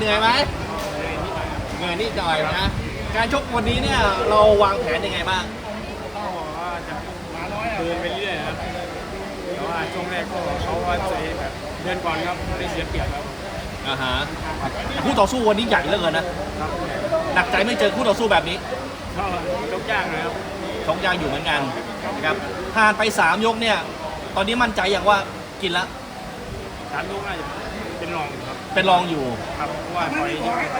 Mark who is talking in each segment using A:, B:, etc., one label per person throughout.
A: นื่อยไหมเหนื่อยนิดหน่อยนะการชกวันนี้เนี่ยเราวางแผนยังไงบ้าง
B: ก็ว่าจะเดินไปเรื่อยครับแต่ว่าช่วงแรกก็เขาว่าจะแบบเดินก่อนครับได้เสียเปรียบครับ
A: ฮะคู่ต่อสู้วันนี้ใหญ่เหลือเกินนะหนักใจไม่เจอคู่ต่อสู้แบบนี้
B: ก็ยกยากนะครับ
A: ชกยากอยู่เหมือนกันนะครับผ่านไป3 ยกเนี่ยตอนนี้มั่นใจอย่างว่ากินละ
B: 3 ยกน่าจะเป็นรองครับ
A: เป็นรองอยู่
B: ครับเพราะว่าถอย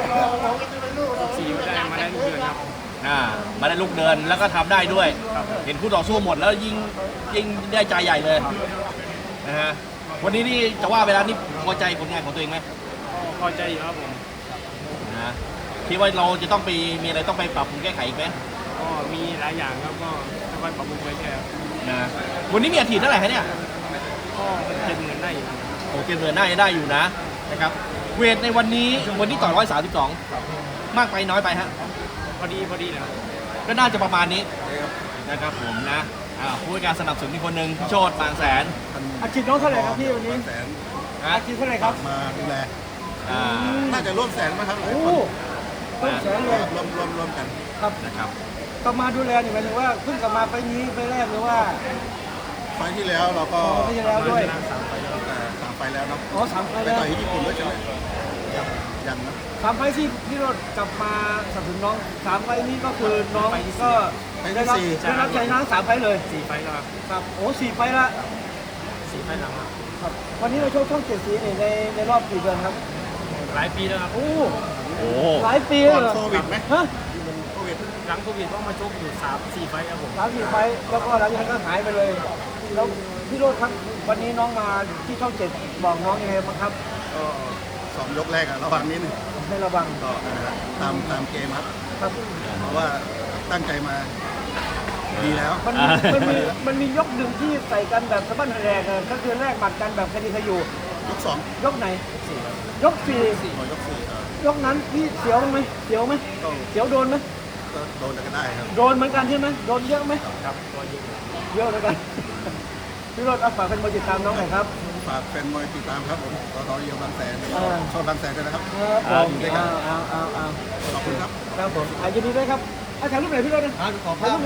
B: 4ก็ได้มาได้ลูกเดือนครับ
A: มาได้ลูกเดินแล้วก็ทำได้ด้วยเห็นคู่ต่อสู้หมดแล้วยิ่งได้ใจใหญ่เลยนะฮะวันนี้นี่จะว่าเวลานี่พอใจผลงานของตัวเองไหม
B: พอใจอยู่ครับผม
A: นะคิดว่าเราจะต้องไปมีอะไรต้องไปปรับปรุงแก้ไขอีกไหม
B: ก็มีหลายอย่างครับก็ค่อยๆปรับปรุงไปแค่
A: นะวันนี้มีอาทิตย์เท่าไหร่ฮะเนี่ย
B: ก็70,000ได้อยู่
A: โอเคเงินได้อยู่นะครับเวทในวันนี้ต่อ132มากไปน้อยไปฮะ
B: พอดีนะครับ
A: ก็น่าจะประมาณนี้นะครับผมนะผู้ให้การสนับสนุนอีกคนหนึ่งโชติบางแสน
C: อาชีพน้องเท่าไหร่ครับพี่วันนี้อาชีพเท่าไหร่ครับ
D: มาดูแลน่าจะร่วมแสนมั้งครับหลายคน
C: ร่วมแสนเลย
D: รวมกัน
A: ครับนะครับ
C: กลับมาดูแลนี่หมายถึงว่าเพิ่งกลับมาไปนี้ไปแรกหรือว่า
D: ไฟที่แล้วเราก็
C: ไปที่แล้วด้วย
D: 3 ไฟแล้วเนาะ
C: 3 ไฟ
D: แล้วไปต่อยที่ญี่ปุ่นด้วยใช่ไหมยังนะ
C: 3 ไฟที่พี่รถกลับมาสนับสนุนน้อง3 ไฟนี้ก็คือน้องก็ได้รับใจน้ำ3 ไฟเลย
B: 4 ไฟแล้ว
C: ครับโอ้4 ไฟละ
B: 4 ไฟหลัง
C: ครับวันนี้เราช่อง7 สีในรอบกี่เดือนครับ
B: หลายปีแล้วครับ
C: โอ้หลายปีเลย
D: โควิดไหม
C: ฮะ
B: โควิดหลังโควิดต้องมาชกอยู่3-4 ไฟครับผม
C: 3-4 ไฟแล้วก็หลังจากนั้นก็หายไปเลยแล้วพี่โรจน์ครับวันนี้น้องมาที่ช่อง7บอกน้องยังไงบ้างครับ
D: ก็2 ยกแรกระวังนิดนึง
C: ให้ระวัง
D: ก็ตามเกมครับเพราะว่าตั้งใจมาดีแล้ว
C: มันมียกหนึ่งที่ใส่กันแบบสะบั้นแรงก็คือแรกหมัดกันแบบคดีขยู
D: ยก2
C: ยกไหนยก4ยกนั้นพี่เสียวไหมเสียวโดนไหม
D: ก็โดนก็ได้ครับ
C: โดนเหมือนกันใช่ไหมโดนเยอะไหม
B: ครับ
C: เยอะเหมือนกันพี่รถฝากเป็นมวยติดตามน้องหน่อยครับ
D: ฝากเป็นมวยติดตามครับผมต่อเยียวบางแสนชอบบางแสนด้วยนะครับ
C: เอา
D: ขอบคุณครับ
C: ครับผมยินดีด้วยครับถ่ายรูปไหนพี่รถนะ
A: ขอบคุณ